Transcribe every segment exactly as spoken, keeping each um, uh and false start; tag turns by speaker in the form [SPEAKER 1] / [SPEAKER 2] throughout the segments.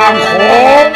[SPEAKER 1] ามโขง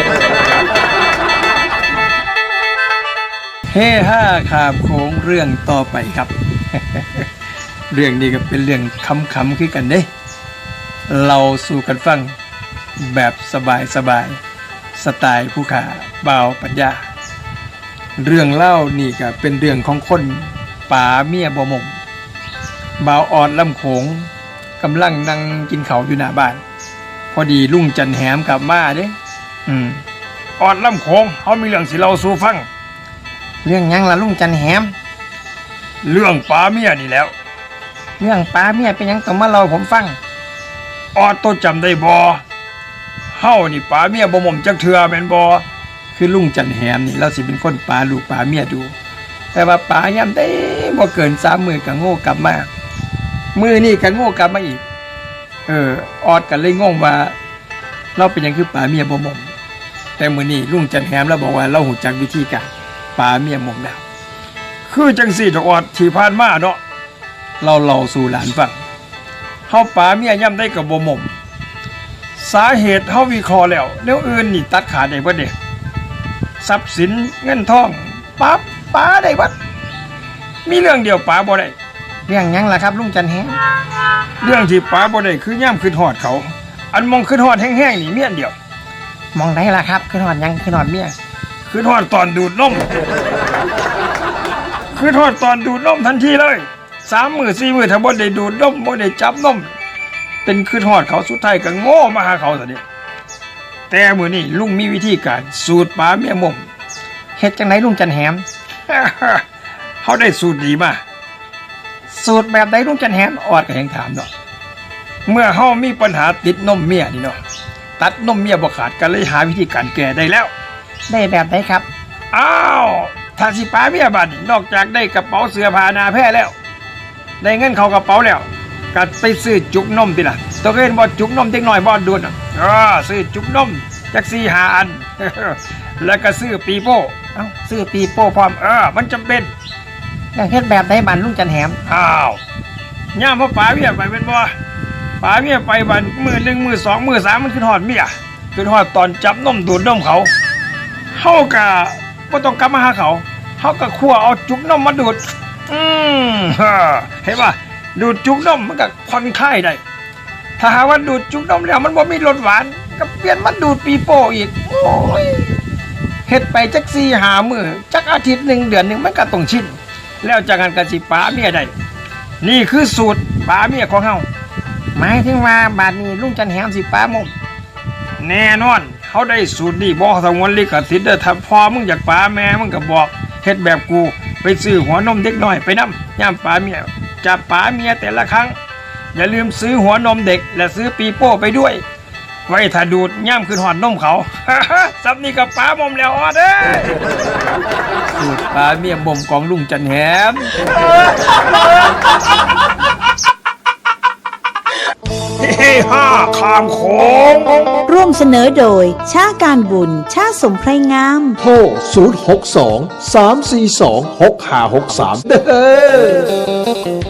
[SPEAKER 2] เฮห้าข้ามโขงเรื่องต่อไปครับ เรื่องนี้ก็เป็นเรื่องคำๆคือกันเด้เราสู่กันฟังแบบสบายๆสไตล์ผู้ขาบ่าวปัญญาเรื่องเล่านี่ก็เป็นเรื่องของคนป่าเมียบ่มมบ่าวออดลำโขงกำลังนั่งกินข้าวอยู่หน้าบ้านพอดีลุงจันแหมกลับมาเด้อืม
[SPEAKER 1] ออดลำโขงเขามีเรื่องสิเล่าสู่ฟัง
[SPEAKER 2] เรื่องหยังล่ะลุงจันแหม
[SPEAKER 1] เรื่องป่าเมียนี่แล้ว
[SPEAKER 2] เรื่องป่าเมียเป็นหยังต้องมาเล่าผมฟัง
[SPEAKER 1] ออดโตจำได้บ่เฮานี่ป่าเมียบ่มมจักเทื่อแม่นบ่
[SPEAKER 2] คือลุงจันแหมนี่เราสิเป็นคนป่าลูกป่าเมียดูแต่ว่าป่ายามใดบ่เกินสามมื้อก็โง่กลับมามื้อนี้ก็โง่กลับมาอีกเออออดกันเลยงงว่าเราเป็นหยังคือป่าเมียบ่มมแต่มื้อนี้ลุงจันแหมเราบอกว่าเราหูจักวิธีการป่าเมียมมแล้ว
[SPEAKER 1] คือจังซี่ดอกออดที่ผ่านมาเนาะ
[SPEAKER 2] เราเล่าสู่หลานฟัง
[SPEAKER 1] เฮาป่าเมียย่ำได้ก็บ่มมสาเหตุเฮาวิเคราะห์แล้วแนวอื่นนี่ตัดขาดได้เบิดเด้ทรัพย์สินเงินทองป๊าป๋าได้เบิดมีเรื่องเดียวป๋าบ่ได้
[SPEAKER 2] เรื่องหยังล่ะครับลุงจันแหม
[SPEAKER 1] เรื่องที่ป๋าบ่ได้คือย่ำขึ้นฮอดเขาอันมองขึ้นฮอดแห้งๆนี่เมียนเดียว
[SPEAKER 2] มองได้ล่ะครับขึ้นฮอดหยังขึ้นฮอดเมีย
[SPEAKER 1] ขึ้นฮอดตอนดูดนมขึ้นฮอดตอนดูดนมทันทีเลยสามมื้อสี่มื้อถ้าบ่ได้ดูดนมบ่ได้จับนมเป็นขึ้นฮอดเขาสุดท้ายก็โง่มาหาเขาซะนี่แต่มื้อนี้ลุงมีวิธีการสูตรป๋าเมียมม
[SPEAKER 2] เฮ็ดจังไดลุงจันแหม
[SPEAKER 1] เฮาได้สูตรดีมา
[SPEAKER 2] สูตรแบบใดลุงจันแหมออดก็ยังถามเนาะ
[SPEAKER 1] เมื่อเฮามีปัญหาติดนมเมียนี่เนาะตัดนมเมียบ่ขาดก็เลยหาวิธีการแก้ได้แล้ว
[SPEAKER 2] ได้แบบใดครับ
[SPEAKER 1] อ้าวถ้าสิป๋าเมียบัดนี้นอกจากได้กระเป๋าเสื้อผ้าหน้าแพร่แล้วได้เงินเข้ากระเป๋าแล้วก็ไปซื้อจุกนมติล่ะตัวเห็นบ่จุกนมเด็กน้อยบ่ดูดเออซื้อจุกนมจัก สี่ห้า อัน แล้วก็ซื้อปีโป้
[SPEAKER 2] เอ้าซื้อปีโป้พร้อม
[SPEAKER 1] เออมันจำเป็น
[SPEAKER 2] อยากเฮ็ดแบบใดบัดลุงจันแหม
[SPEAKER 1] อ้าวย่ามพ่อป๋าเมียไปเป็นบ่ป๋าเมียไปบัดมื้อหนึ่งมื้อสองมื้อสามมันขึ้นฮอดเมียขึ้นฮอดตอนจับนมดูดนมเขาเฮาก็บ่ต้องกลับมาหาเขาเฮาก็คั่วเอาจุกนมมาดูดอืมเห็นป่ะดูดจุกนมมันก็ผ่อนคลายได้ถ้าหาว่าดูดจุกนมแล้วมันบ่มีรสหวานก็เปลี่ยนมาดูดปีโป้อีกโอ้ยเฮ็ดไปจัก สี่ห้า มื้อจักอาทิตย์หนึ่งเดือนหนึ่งมันก็ต้องชินแล้วจากนั้นก็สิป๋าเมียได้นี่คือสูตรป๋าเมียของเฮา
[SPEAKER 2] หมายถึงว่าบัดนี้ลุงจันแหมสิป๋ามม
[SPEAKER 1] แน่นอนเขาได้สูตรนี่บ่สงวนลิขสิทธิ์เด้อถ้าพอมึงอยากป๋าแม่มึงก็บอกเฮ็ดแบบกูไปซื้อหัวนมเด็กน้อยไปนำย่ามป๋าเมียจับป๋าเมียแต่ละครั้งอย่าลืมซื้อหัวนมเด็กและซื้อปีโป้ไปด้วยไว้ถ้าดูดย่ามขึ้นหอดนมเขา ซับนี่กับป๋ามมแล้วออเด้
[SPEAKER 2] สูตรป๋าเมียมมของลุงจันแหม
[SPEAKER 1] เฮ้ห้าข้ามโขง
[SPEAKER 3] ร่วมเสนอโดยชาการบุญชาสมไพรงาม
[SPEAKER 4] โทรศูนย์ หก สอง สาม สี่ สอง หก ห้า หก สามเด้อ